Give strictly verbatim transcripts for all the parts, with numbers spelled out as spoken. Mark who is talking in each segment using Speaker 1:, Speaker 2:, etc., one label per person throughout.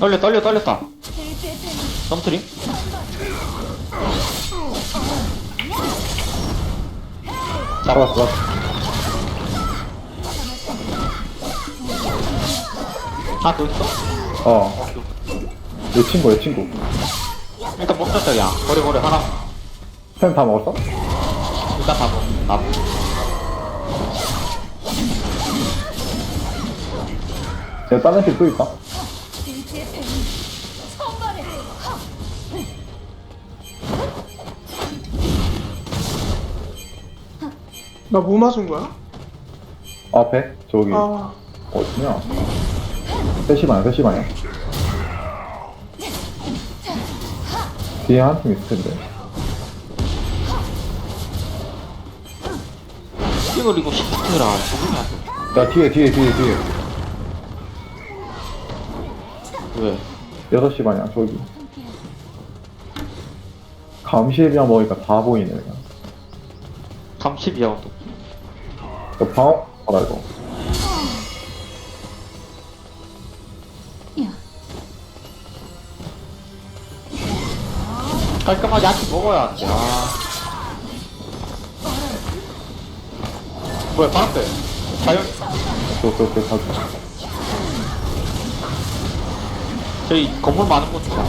Speaker 1: 떨려 떨려 떨렸다. 점트림?
Speaker 2: 잡았어, 잡았어.
Speaker 1: 하나 더 있어?
Speaker 2: 어. 내 친구, 내 친구.
Speaker 1: 일단 먹자 그냥. 버려 버려 하나.
Speaker 2: 템 다 먹었어?
Speaker 1: 일단 다 먹어. 나.
Speaker 2: 제가 다른 팀 또 있다.
Speaker 3: 나 뭐 맞은 거야?
Speaker 2: 앞에, 저기.
Speaker 3: 아,
Speaker 2: 어디냐? 셋시 반이야, 셋시 반이야. 뒤에 한 팀 있을 텐데.
Speaker 1: 이걸 이거 시프트라 적응이 안 돼.
Speaker 2: 야, 뒤에, 뒤에, 뒤에, 뒤에.
Speaker 1: 왜?
Speaker 2: 여섯 시 반이야, 저기. 감시비랑 먹으니까 다 보이네, 그냥.
Speaker 1: 삼십이야 또.
Speaker 2: 이거 방어, 봐라, 이거.
Speaker 1: 깔끔하게 한끼 먹어야 돼. 아. 뭐야 방패. 자연.
Speaker 2: 저, 저, 저, 저,
Speaker 1: 저희 건물 많은 곳 좋아.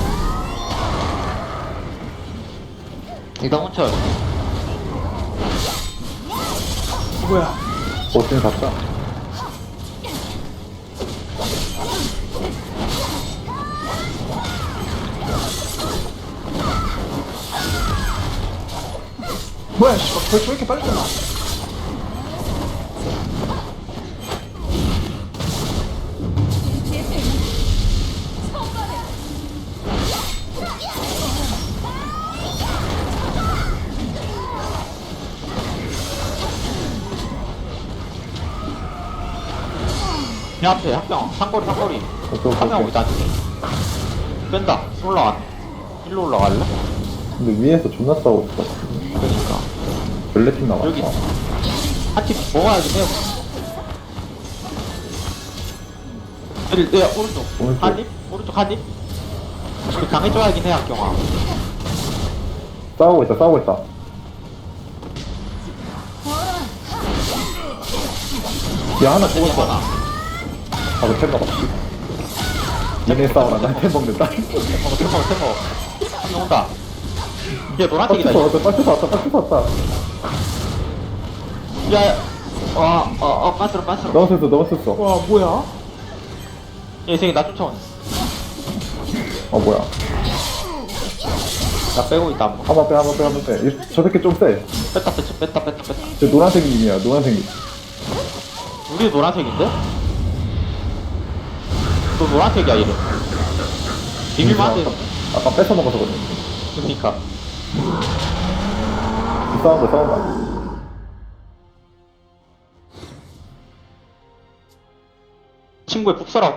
Speaker 1: 일단 훔쳐요.
Speaker 3: 뭐야?
Speaker 2: 버튼 잡자.
Speaker 3: 뭐야, 씨. 벌써 왜 이렇게 빨리 끝나?
Speaker 1: 내 앞에 한명 상거리 상거리.
Speaker 2: 저, 저,
Speaker 1: 한 명
Speaker 2: 저,
Speaker 1: 있다. 뺀다. 올라와. 일로 올라갈래?
Speaker 2: 근데 위에서 존나 싸우고 있어.
Speaker 1: 그러니까.
Speaker 2: 별내 팀 남았어.
Speaker 1: 여기 한팀 먹어야지 해요. 여기 내 오른쪽.
Speaker 2: 오른쪽.
Speaker 1: 한 입? 오른쪽 한 입? 우리 강해져야긴 해 학경아.
Speaker 2: 싸우고 있다, 싸우고 있다. 야, 하나
Speaker 1: 저기
Speaker 2: 죽었어.
Speaker 1: 하나.
Speaker 2: 바로 템 먹었지. 얘네 싸우라, 나템 먹는다.
Speaker 1: 먹어 템먹어 템먹어. 한명 온다. 얘 노란색이다.
Speaker 2: 박스 왔다, 박스 왔다, 박스 왔다.
Speaker 1: 야, 와, 어, 어, 빤스러, 빤스러.
Speaker 2: 너무 썼어, 너무 썼어.
Speaker 3: 와, 뭐야?
Speaker 1: 얘 생이 나 쫓아오네.
Speaker 2: 어, 뭐야.
Speaker 1: 나 빼고 있다. 한 번.
Speaker 2: 한번 빼, 한번 빼, 한번 빼. 이- 저 새끼 좀 세.
Speaker 1: 뺐다, 뺐다, 뺐다, 뺐다, 뺐다.
Speaker 2: 저 노란색 님이야, 노란색 님.
Speaker 1: 우리 노란색인데? 또 노란색이야, 이래. 비밀만 해.
Speaker 2: 아까 뺏어 먹어서 그래.
Speaker 1: 그니까.
Speaker 2: 싸운다, 싸운다.
Speaker 1: 친구의 북서라고.